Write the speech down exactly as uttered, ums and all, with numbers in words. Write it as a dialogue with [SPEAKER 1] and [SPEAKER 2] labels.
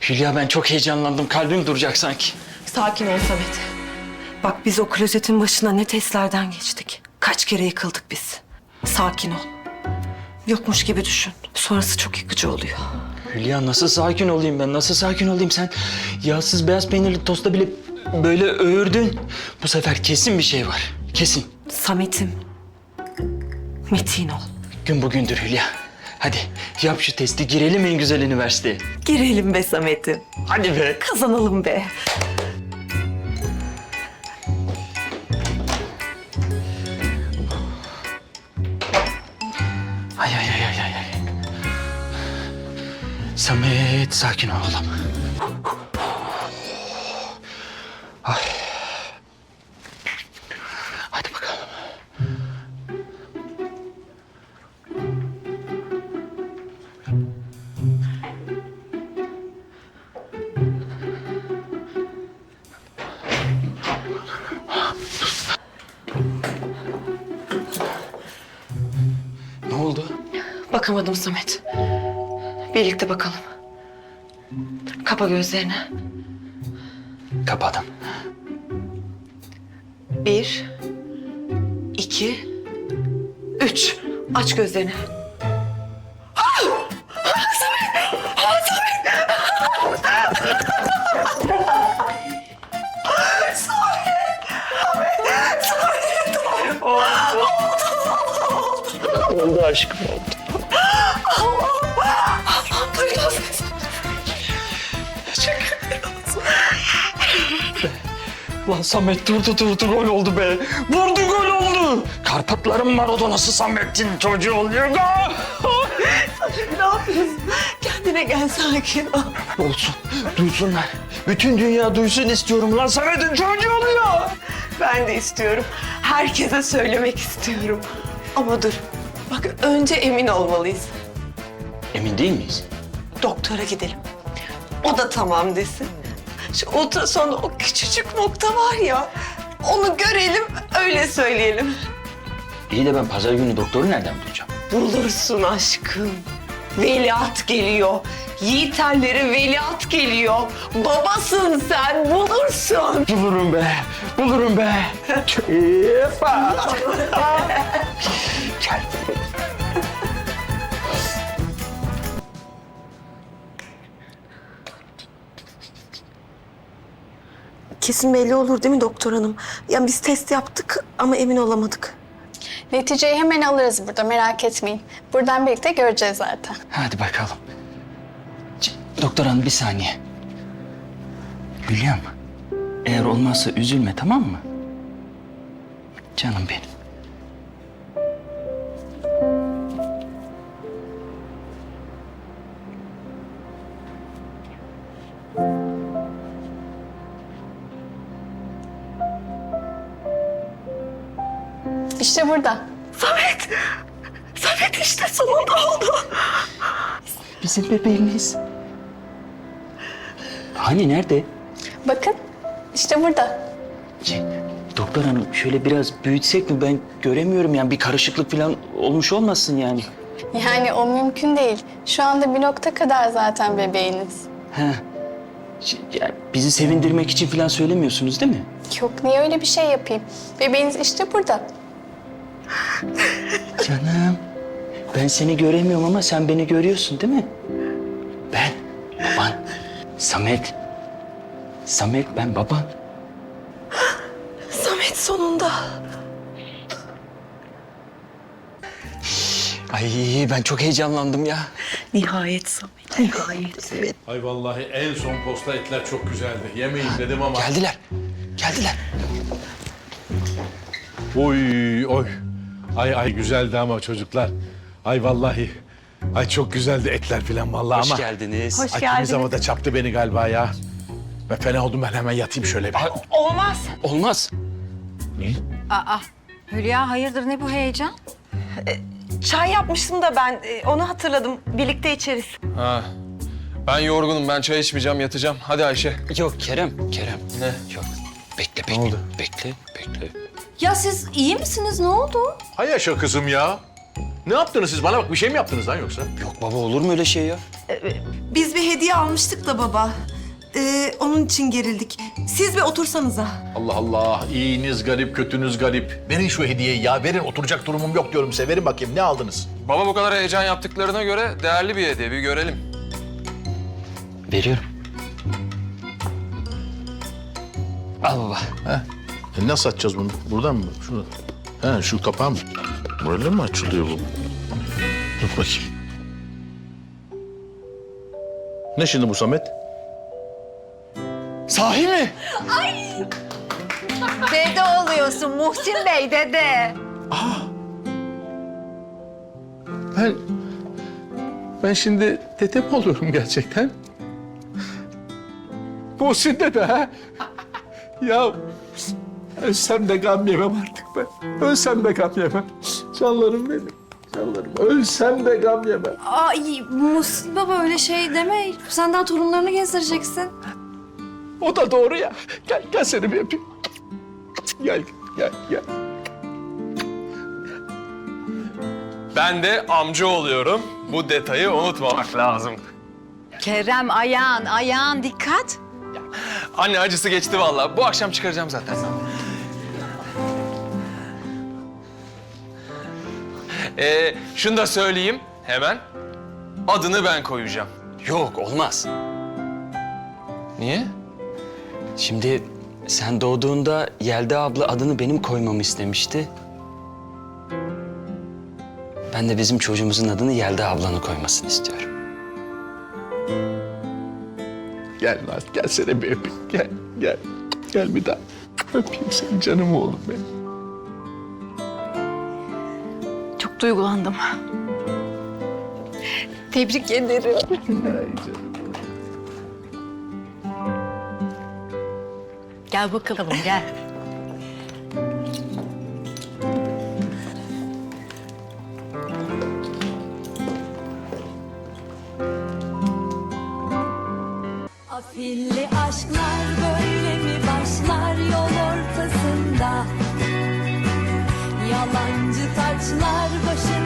[SPEAKER 1] Hülya ben çok heyecanlandım. Kalbim duracak sanki.
[SPEAKER 2] Sakin ol Samet. Bak biz o klozetin başına ne testlerden geçtik. Kaç kere yıkıldık biz. Sakin ol. Yokmuş gibi düşün. Sonrası çok yıkıcı oluyor.
[SPEAKER 1] Hülya nasıl sakin olayım ben? Nasıl sakin olayım sen? Yağsız beyaz peynirli tosta bile böyle öğürdün. Bu sefer kesin bir şey var. Kesin.
[SPEAKER 2] Samet'im. Metin ol.
[SPEAKER 1] Gün bugündür Hülya. Hadi yap şu testi, girelim en güzel üniversiteye.
[SPEAKER 2] Girelim be Samet'im.
[SPEAKER 1] Hadi be.
[SPEAKER 2] Kazanalım be.
[SPEAKER 1] Ay ay ay ay ay. ay. Samet sakin ol oğlum. Ay. Hadi bakalım. Ne oldu?
[SPEAKER 2] Bakamadım Samet. Birlikte bakalım. Kapa gözlerini.
[SPEAKER 1] Kapadım.
[SPEAKER 2] Bir, iki, üç. Aç gözlerini.
[SPEAKER 1] Oldu aşkım oldu.
[SPEAKER 2] Duydun ses.
[SPEAKER 1] Lan Samet durdu durdu gol oldu be. Vurdu gol oldu. Karpatların Maradona'sı Samet'in çocuğu oluyor.
[SPEAKER 2] Ne yapıyorsun? Kendine gel, sakin ol.
[SPEAKER 1] Olsun duysunlar. Bütün dünya duysun istiyorum lan Samet'in çocuğu oluyor.
[SPEAKER 2] Ben de istiyorum. Herkese söylemek istiyorum. Ama dur. Bak önce emin olmalıyız.
[SPEAKER 1] Emin değil miyiz?
[SPEAKER 2] Doktora gidelim. O da tamam desin. Şu ultrasonda o küçücük nokta var ya. Onu görelim, öyle söyleyelim.
[SPEAKER 1] İyi de ben pazar günü doktoru nereden bulacağım?
[SPEAKER 2] Bulursun aşkım. Veliaht geliyor. Yiğiterlere veliaht geliyor. Babasın sen, bulursun.
[SPEAKER 1] Bulurum be, bulurum be. Yepa. Gel.
[SPEAKER 2] Kesin belli olur değil mi doktor hanım? Yani biz test yaptık ama emin olamadık.
[SPEAKER 3] Neticeyi hemen alırız burada, merak etmeyin. Buradan birlikte göreceğiz zaten.
[SPEAKER 1] Hadi bakalım. C- Doktor hanım bir saniye. Hülya'm, eğer olmazsa üzülme tamam mı? Canım benim.
[SPEAKER 3] İşte burada.
[SPEAKER 2] Samet! Samet işte sonunda oldu.
[SPEAKER 1] Bizim bebeğimiz. Hani nerede?
[SPEAKER 3] Bakın, işte burada.
[SPEAKER 1] C- Doktor hanım şöyle biraz büyütsek mi? Ben göremiyorum yani bir karışıklık falan olmuş olmasın yani.
[SPEAKER 3] Yani o mümkün değil. Şu anda bir nokta kadar zaten bebeğiniz.
[SPEAKER 1] He. Ş- ya bizi sevindirmek için falan söylemiyorsunuz değil mi?
[SPEAKER 3] Yok, niye öyle bir şey yapayım? Bebeğiniz işte burada.
[SPEAKER 1] Canım, ben seni göremiyorum ama sen beni görüyorsun değil mi? Ben, baban, Samet. Samet, ben baban.
[SPEAKER 2] Samet sonunda.
[SPEAKER 1] Ay ben çok heyecanlandım ya.
[SPEAKER 2] Nihayet Samet, nihayet. Evet.
[SPEAKER 4] Ay vallahi en son posta etler çok güzeldi. Yemeyin dedim ama...
[SPEAKER 1] Geldiler, geldiler.
[SPEAKER 4] Oy oy. Ay ay güzeldi ama çocuklar. Ay vallahi. Ay çok güzeldi etler falan vallahi
[SPEAKER 1] Hoş
[SPEAKER 4] ama...
[SPEAKER 1] geldiniz.
[SPEAKER 2] Hoş
[SPEAKER 4] Ay
[SPEAKER 2] geldiniz.
[SPEAKER 4] kimi da çarptı beni galiba ya. Ben fena oldum, ben hemen yatayım şöyle bir.
[SPEAKER 2] Olmaz.
[SPEAKER 1] Olmaz.
[SPEAKER 5] Aa, Hülya hayırdır ne bu heyecan?
[SPEAKER 2] Çay yapmıştım da ben e, onu hatırladım. Birlikte içeriz.
[SPEAKER 6] Ha. Ben yorgunum. Ben çay içmeyeceğim, yatacağım. Hadi Ayşe.
[SPEAKER 1] Yok Kerem, Kerem.
[SPEAKER 6] Ne?
[SPEAKER 1] Yok. Bekle, bekle.
[SPEAKER 4] oldu?
[SPEAKER 1] Bekle, bekle.
[SPEAKER 5] Ya siz iyi misiniz? Ne oldu?
[SPEAKER 4] Hay yaşa kızım ya.
[SPEAKER 7] Ne yaptınız siz? Bana bak bir şey mi yaptınız lan yoksa?
[SPEAKER 1] Yok baba olur mu öyle şey ya?
[SPEAKER 2] Biz bir hediye almıştık da baba. Ee, onun için gerildik. Siz bir otursanıza.
[SPEAKER 7] Allah Allah. İyiniz garip, kötünüz garip. Verin şu hediyeyi ya. Verin. Oturacak durumum yok diyorum size. Verin bakayım. Ne aldınız?
[SPEAKER 6] Baba bu kadar heyecan yaptıklarına göre değerli bir hediye. Bir görelim.
[SPEAKER 1] Veriyorum. Al baba.
[SPEAKER 7] E nasıl açacağız bunu? Buradan mı? Şunu. He şu kapağı mı? Böyle mi açılıyor bu? Dur bakayım. Ne şimdi bu Samet?
[SPEAKER 1] Sahi mi?
[SPEAKER 5] Dede oluyorsun Muhsin Bey dede.
[SPEAKER 7] Ben... Ben şimdi tete mi oluyorum gerçekten? Muhsin dede ha? Ya ölsem de gam yemem artık ben. Ölsem de gam yemem. Canlarım benim. Canlarım. Ölsem de gam yemem.
[SPEAKER 8] Ay Muhsin baba öyle şey deme. Sen daha torunlarını gezdireceksin.
[SPEAKER 7] O da doğru ya. Gel, gel seni bir öpeyim. Gel, gel, gel.
[SPEAKER 6] Ben de amca oluyorum. Bu detayı unutmamak lazım.
[SPEAKER 5] Kerem ayağın ayağın dikkat.
[SPEAKER 6] Anne acısı geçti vallahi. Bu akşam çıkaracağım zaten. Ee, şunu da söyleyeyim hemen. Adını ben koyacağım.
[SPEAKER 1] Yok olmaz.
[SPEAKER 6] Niye?
[SPEAKER 1] Şimdi sen doğduğunda Yelda abla adını benim koymamı istemişti. Ben de bizim çocuğumuzun adını Yelda ablanın koymasını istiyorum.
[SPEAKER 7] Gel Naz, gel seni bir öpeyim. Gel, gel. Gel bir daha. Öpeyim seni canım oğlum benim.
[SPEAKER 8] Çok duygulandım.
[SPEAKER 3] Tebrik ederim.
[SPEAKER 7] Ay canım.
[SPEAKER 5] Gel bakalım gel.
[SPEAKER 9] Afilli aşklar böyle mi başlar yol ortasında? Yalancı taçlar başı